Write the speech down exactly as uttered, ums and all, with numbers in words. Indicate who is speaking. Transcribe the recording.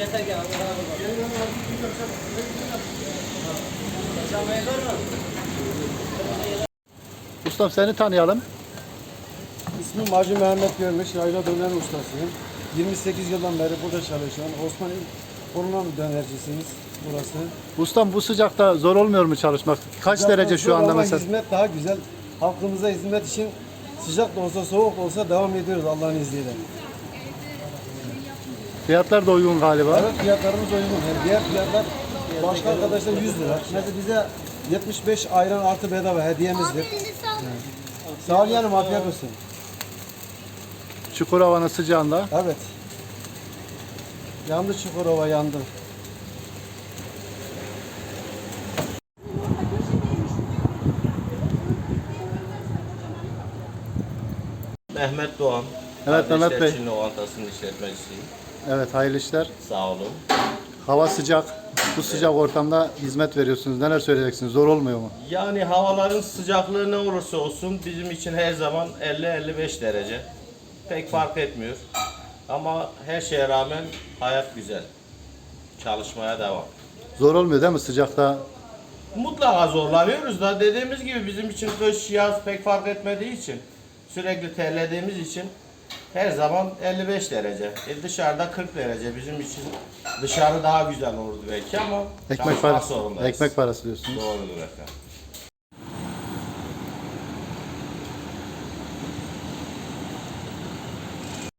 Speaker 1: Ustam seni tanıyalım.
Speaker 2: İsmim Hacı Mehmet Görmüş, yayla döner ustasıyım. yirmi sekiz yıldan beri burada çalışıyorum. Osmanlı Korunan dönercisiniz burası.
Speaker 1: Ustam bu sıcakta zor olmuyor mu çalışmak? Kaç
Speaker 2: Sıcaktan
Speaker 1: derece şu
Speaker 2: zor
Speaker 1: anda
Speaker 2: ama
Speaker 1: mesela?
Speaker 2: hizmet daha güzel. Halkımıza hizmet için sıcak da olsa soğuk da olsa devam ediyoruz Allah'ın izniyle.
Speaker 1: Fiyatlar da uygun galiba.
Speaker 2: Evet, fiyatlarımız uygun. Yani diğer fiyatlar başka arkadaşlar yüz lira. Mesela bize yetmiş beş ayran artı bedava hediyemizdir. Sağ ol yanım, afiyet olsun.
Speaker 1: Çukurova'nın sıcağında.
Speaker 2: Evet. Yandı Çukurova, yandı.
Speaker 3: Mehmet Doğan.
Speaker 1: Evet, Mehmet
Speaker 3: Kardeşler
Speaker 1: Bey.
Speaker 3: Çin Lokantası'nın işletmecisiyim.
Speaker 1: Evet, hayırlı işler.
Speaker 3: Sağ olun.
Speaker 1: Hava sıcak. Bu sıcak ortamda hizmet veriyorsunuz. Neler söyleyeceksiniz? Zor olmuyor mu?
Speaker 3: Yani havaların sıcaklığı ne olursa olsun bizim için her zaman elli elli beş derece. Pek fark etmiyor. Ama her şeye rağmen hayat güzel. Çalışmaya devam.
Speaker 1: Zor olmuyor değil mi sıcakta?
Speaker 3: Mutlaka zorlanıyoruz da dediğimiz gibi bizim için kış yaz pek fark etmediği için sürekli terlediğimiz için her zaman elli beş derece. E dışarıda kırk derece bizim için dışarı daha güzel olurdu belki ama
Speaker 1: Ekmek
Speaker 3: çalışmak
Speaker 1: parası.
Speaker 3: zorundayız.
Speaker 1: Ekmek parası diyorsunuz.
Speaker 3: Doğrudur efendim.